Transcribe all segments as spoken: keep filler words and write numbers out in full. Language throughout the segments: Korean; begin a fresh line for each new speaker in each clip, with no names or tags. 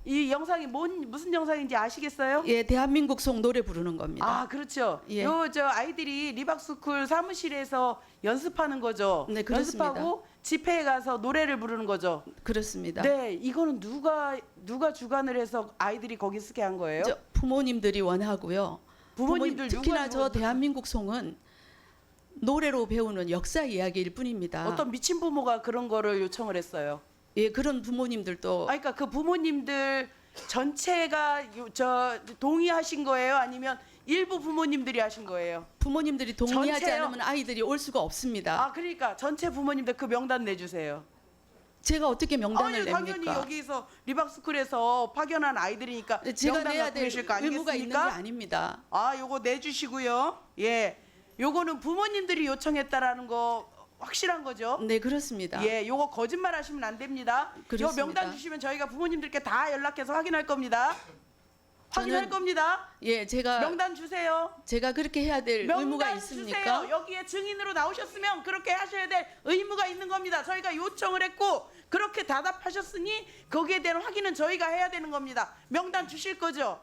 이 영상이 뭔 무슨 영상인지 아시겠어요?
예, 대한민국 송 노래 부르는 겁니다.
아, 그렇죠.
예.
요 저 아이들이 리박스쿨 사무실에서 연습하는 거죠.
네, 그렇습니다.
연습하고 집회에 가서 노래를 부르는 거죠.
그렇습니다.
네, 이거는 누가 누가 주관을 해서 아이들이 거기 쓰게 한 거예요?
저 부모님들이 원하고요.
부모님들
부모님, 특히나
누가
저 대한민국 송은 노래로 배우는 역사 이야기일 뿐입니다.
어떤 미친 부모가 그런 거를 요청을 했어요.
예, 그런 부모님들도
아, 그러니까 그 부모님들 전체가 요- 저 동의하신 거예요? 아니면 일부 부모님들이 하신 거예요?
부모님들이 동의하지
전체요?
않으면 아이들이 올 수가 없습니다.
아, 그러니까 전체 부모님들 그 명단 내주세요.
제가 어떻게 명단을
아니, 당연히
냅니까?
여기서 리박스쿨에서 파견한 아이들이니까
제가
명단
내야
갖고
될
계실 거
의무가 있는 게
아니겠습니까?
아닙니다.
아, 요거 내주시고요. 예, 요거는 부모님들이 요청했다라는 거 확실한 거죠?
네, 그렇습니다.
예, 요거 거짓말 하시면 안 됩니다. 요
그렇습니다.
명단 주시면 저희가 부모님들께 다 연락해서 확인할 겁니다. 확인할
저는
겁니다.
예, 제가
명단 주세요.
제가 그렇게 해야 될 의무가
명단
있습니까?
주세요. 여기에 증인으로 나오셨으면 그렇게 하셔야 될 의무가 있는 겁니다. 저희가 요청을 했고 그렇게 답답하셨으니 거기에 대한 확인은 저희가 해야 되는 겁니다. 명단 주실 거죠?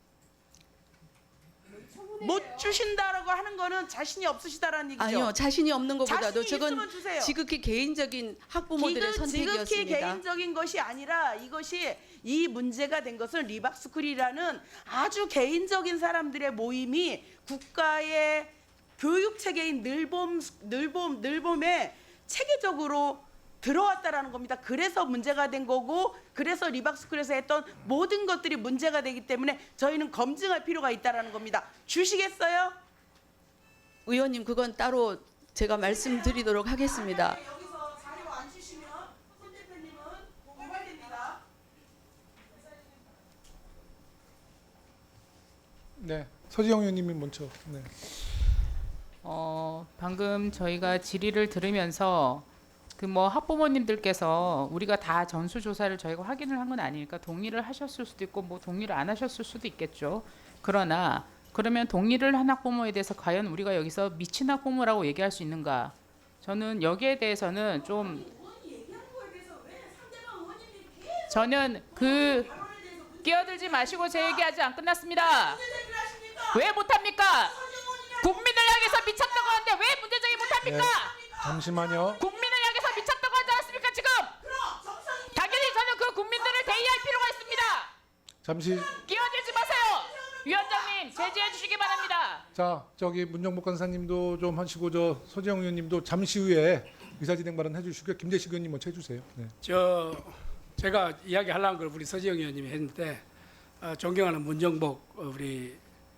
못 주신다라고 하는 거는 자신이 없으시다라는 얘기죠.
아니요, 자신이 없는 것보다도
자신이
저건
있으면 주세요.
지극히 개인적인 학부모들의
지극- 지극히
선택이었습니다.
개인적인 것이 아니라 이것이 이 문제가 된 것은 리박스쿨이라는 아주 개인적인 사람들의 모임이 국가의 교육 체계인 늘봄 늘봄 늘봄에 체계적으로 들어왔다라는 겁니다. 그래서 문제가 된 거고 그래서 리박스쿨에서 했던 모든 것들이 문제가 되기 때문에 저희는 검증할 필요가 있다라는 겁니다. 주시겠어요?
의원님, 그건 따로 제가 말씀드리도록 하겠습니다.
네, 여기서 자료 안 주시면 손 대표님은 고발됩니다.
네, 서지영 의원님이 먼저. 네.
어, 방금 저희가 질의를 들으면서 그 뭐 학부모님들께서 우리가 다 전수조사를 저희가 확인을 한 건 아니니까 동의를 하셨을 수도 있고 뭐 동의를 안 하셨을 수도 있겠죠. 그러나 그러면 동의를 한 학부모에 대해서 과연 우리가 여기서 미친 학부모라고 얘기할 수 있는가? 저는 여기에 대해서는 좀 저는 그 끼어들지 마시고 제 얘기 아직 안 끝났습니다. 왜 못합니까? 국민을 향해서 미쳤다고 하는데 왜 문제제기 못합니까?
잠시만요.
국민을 향해서 미쳤다고 하지 않았습니까 지금? 당연히 저는 그 국민들을 대의할 필요가 있습니다.
잠시.
끼어들지 마세요. 위원장님 제지해 주시기 바랍니다.
자, 저기 문정복 간사님도 좀 하시고 저 서지영 의원님도 잠시 후에 의사진행 발언 해주시고요. 김재식 의원님 먼저 해주세요. 네.
저 제가 이야기하려는 걸 우리 서지영 의원님이 했는데 어, 존경하는 문정복 어, 우리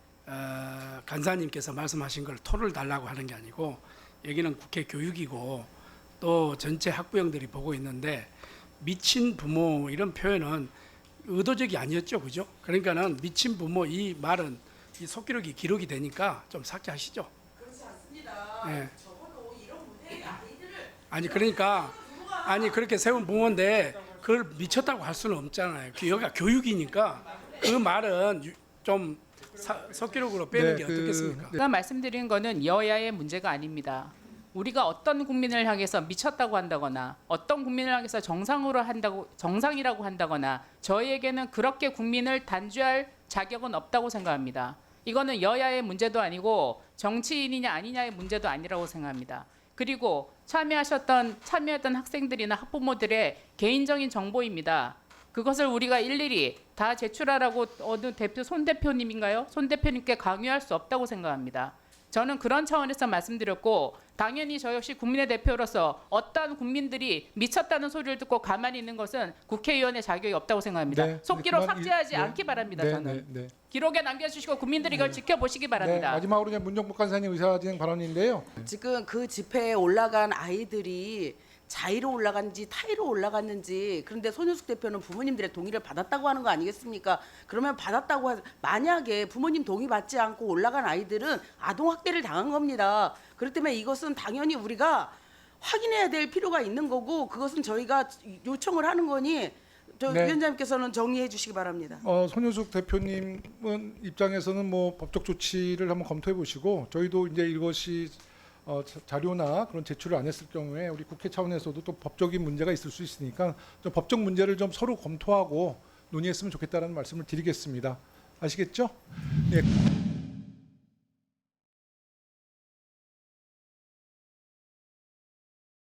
어, 간사님께서 말씀하신 걸 토를 달라고 하는 게 아니고 여기는 국회 교육이고 또 전체 학부형들이 보고 있는데 미친 부모 이런 표현은 의도적이 아니었죠, 그죠? 그러니까는 미친 부모 이 말은 이 속기록이 기록이 되니까 좀 삭제하시죠.
그렇지 않습니다.
네.
적어도 이런 문제의 아이들을
아니 그러니까 아니 그렇게 세운 부모인데 그걸 미쳤다고 할 수는 없잖아요. 여기가 교육이니까 그 말은 유- 좀 사, 속기록으로 빼는
네,
게
그-
어떻겠습니까?
제가 말씀드린 거는 여야의 문제가 아닙니다. 우리가 어떤 국민을 향해서 미쳤다고 한다거나 어떤 국민을 향해서 정상으로 한다고 정상이라고 한다거나 저희에게는 그렇게 국민을 단죄할 자격은 없다고 생각합니다. 이거는 여야의 문제도 아니고 정치인이냐 아니냐의 문제도 아니라고 생각합니다. 그리고 참여하셨던 참여했던 학생들이나 학부모들의 개인적인 정보입니다. 그것을 우리가 일일이 다 제출하라고 어느 대표 손 대표님인가요? 손 대표님께 강요할 수 없다고 생각합니다. 저는 그런 차원에서 말씀드렸고 당연히 저 역시 국민의 대표로서 어떤 국민들이 미쳤다는 소리를 듣고 가만히 있는 것은 국회의원의 자격이 없다고 생각합니다.
네,
속기록
그만-
삭제하지
네,
않기 바랍니다.
네,
저는
네, 네.
기록에 남겨주시고 국민들이 이걸 지켜보시기
네,
바랍니다.
마지막으로 그냥 문정복 간사님 의사진행 발언인데요.
지금 그 집회에 올라간 아이들이 자의로 올라갔는지 타의로 올라갔는지 그런데 손윤숙 대표는 부모님들의 동의를 받았다고 하는 거 아니겠습니까? 그러면 받았다고 하, 만약에 부모님 동의 받지 않고 올라간 아이들은 아동 학대를 당한 겁니다. 그렇기 때문에 이것은 당연히 우리가 확인해야 될 필요가 있는 거고 그것은 저희가 요청을 하는 거니 저
네.
위원장님께서는 정리해 주시기 바랍니다.
어, 손효숙 대표님은 입장에서는 뭐 법적 조치를 한번 검토해 보시고 저희도 이제 이것이 어, 자- 자료나 그런 제출을 안 했을 경우에 우리 국회 차원에서도 또 법적인 문제가 있을 수 있으니까 좀 법적 문제를 좀 서로 검토하고 논의했으면 좋겠다라는 말씀을 드리겠습니다. 아시겠죠? 네.